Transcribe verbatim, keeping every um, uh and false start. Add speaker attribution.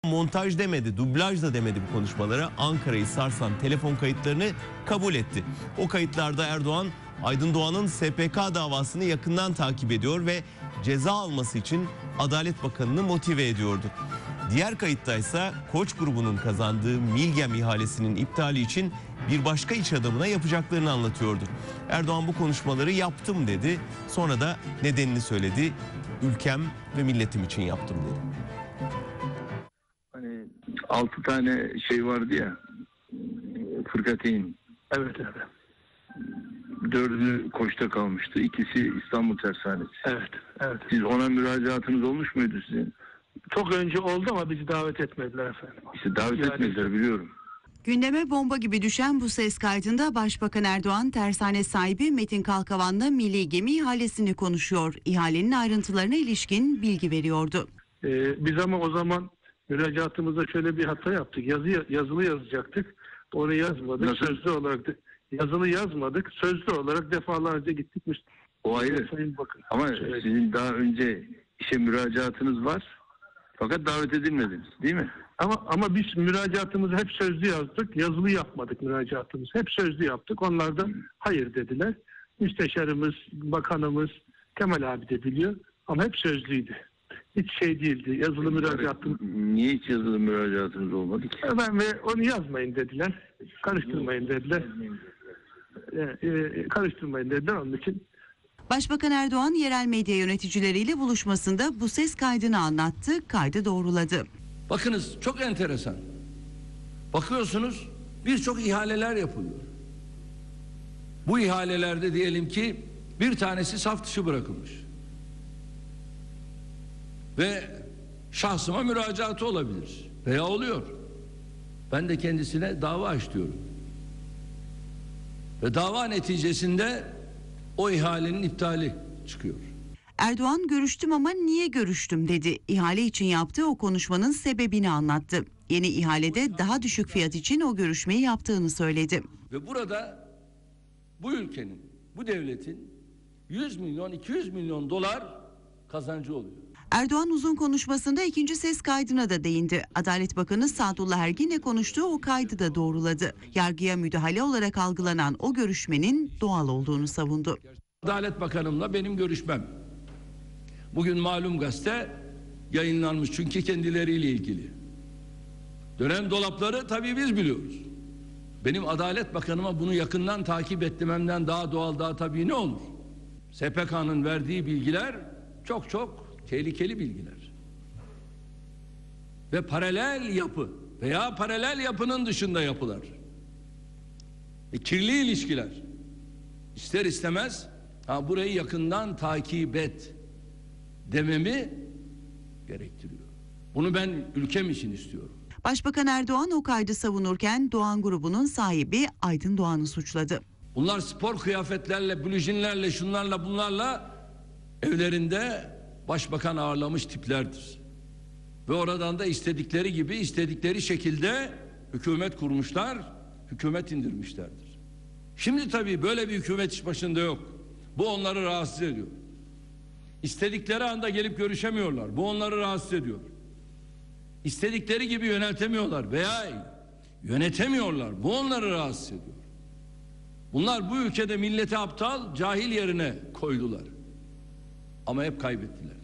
Speaker 1: Montaj demedi, dublaj da demedi bu konuşmalara. Ankara'yı sarsan telefon kayıtlarını kabul etti. O kayıtlarda Erdoğan, Aydın Doğan'ın S P K davasını yakından takip ediyor ve ceza alması için Adalet Bakanı'nı motive ediyordu. Diğer kayıttaysa Koç grubunun kazandığı Milgem ihalesinin iptali için bir başka iş adamına yapacaklarını anlatıyordu. Erdoğan bu konuşmaları yaptım dedi. Sonra da nedenini söyledi. Ülkem ve milletim için yaptım dedi.
Speaker 2: Hani altı tane şey vardı ya, fırkateyn.
Speaker 3: Evet evet.
Speaker 2: Dördü Koç'ta kalmıştı. İkisi İstanbul Tersanesi.
Speaker 3: Evet, evet.
Speaker 2: Siz ona müracaatınız olmuş muydu sizin?
Speaker 3: Çok önce oldu ama bizi davet etmediler efendim.
Speaker 2: İşte davet
Speaker 3: Yani...
Speaker 2: etmediler, biliyorum.
Speaker 4: Gündeme bomba gibi düşen bu ses kaydında Başbakan Erdoğan, tersane sahibi Metin Kalkavan'la milli gemi ihalesini konuşuyor. İhalenin ayrıntılarına ilişkin bilgi veriyordu.
Speaker 3: Ee, biz ama o zaman müracaatımızda şöyle bir hata yaptık. Yazı, yazılı yazacaktık. Onu yazmadık.
Speaker 2: Nasıl?
Speaker 3: Sözlü olarak da, yazılı yazmadık. Sözlü olarak defalarca gittik.
Speaker 2: O ayrı.
Speaker 3: Sayın Bakın.
Speaker 2: Ama
Speaker 3: Evet.
Speaker 2: sizin daha önce işe müracaatınız var. Fakat davet edilmediniz, değil mi?
Speaker 3: Ama ama biz müracaatımızı hep sözlü yazdık. Yazılı yapmadık müracaatımızı. Hep sözlü yaptık. Onlar da hayır dediler. Müsteşarımız, bakanımız, Kemal abi de biliyor. Ama hep sözlüydü. Hiç şey değildi. Yazılı müracaatımız.
Speaker 2: Niye hiç yazılı müracaatınız olmadı ki?
Speaker 3: Ben ve onu yazmayın dediler. Karıştırmayın dediler. Ee, e, karıştırmayın dediler. Onun için
Speaker 4: Başbakan Erdoğan yerel medya yöneticileriyle buluşmasında bu ses kaydını anlattı, kaydı doğruladı.
Speaker 5: Bakınız, çok enteresan. Bakıyorsunuz birçok ihaleler yapılıyor. Bu ihalelerde diyelim ki bir tanesi saf dışı bırakılmış. Ve şahsıma müracaatı olabilir. Veya oluyor. Ben de kendisine dava aç diyorum. Ve dava neticesinde o ihalenin iptali çıkıyor.
Speaker 4: Erdoğan, görüştüm ama niye görüştüm dedi. İhale için yaptığı o konuşmanın sebebini anlattı. Yeni ihalede daha düşük fiyat için o görüşmeyi yaptığını söyledi.
Speaker 5: Ve burada bu ülkenin, bu devletin yüz milyon, iki yüz milyon dolar kazancı oluyor.
Speaker 4: Erdoğan uzun konuşmasında ikinci ses kaydına da değindi. Adalet Bakanı Sadullah Ergin'le konuştuğu o kaydı da doğruladı. Yargıya müdahale olarak algılanan o görüşmenin doğal olduğunu savundu.
Speaker 5: Adalet Bakanımla benim görüşmem bugün malum gazete yayınlanmış, çünkü kendileriyle ilgili. Dönem dolapları tabii biz biliyoruz. Benim Adalet Bakanıma bunu yakından takip etmemden daha doğal, daha tabii ne olur? S P K'nın verdiği bilgiler çok çok tehlikeli bilgiler. Ve paralel yapı veya paralel yapının dışında yapılar. E, kirli ilişkiler. İster istemez ha, burayı yakından takip et dememi gerektiriyor. Bunu ben ülkem için istiyorum.
Speaker 4: Başbakan Erdoğan o kaydı savunurken Doğan grubunun sahibi Aydın Doğan'ı suçladı.
Speaker 5: Bunlar spor kıyafetlerle, blujinlerle, şunlarla bunlarla evlerinde başbakan ağırlamış tiplerdir. Ve oradan da istedikleri gibi, istedikleri şekilde hükümet kurmuşlar, hükümet indirmişlerdir. Şimdi tabii böyle bir hükümet iş başında yok. Bu onları rahatsız ediyor. İstedikleri anda gelip görüşemiyorlar. Bu onları rahatsız ediyor. İstedikleri gibi yöneltemiyorlar veya yönetemiyorlar. Bu onları rahatsız ediyor. Bunlar bu ülkede milleti aptal, cahil yerine koydular. Ama hep kaybettiler.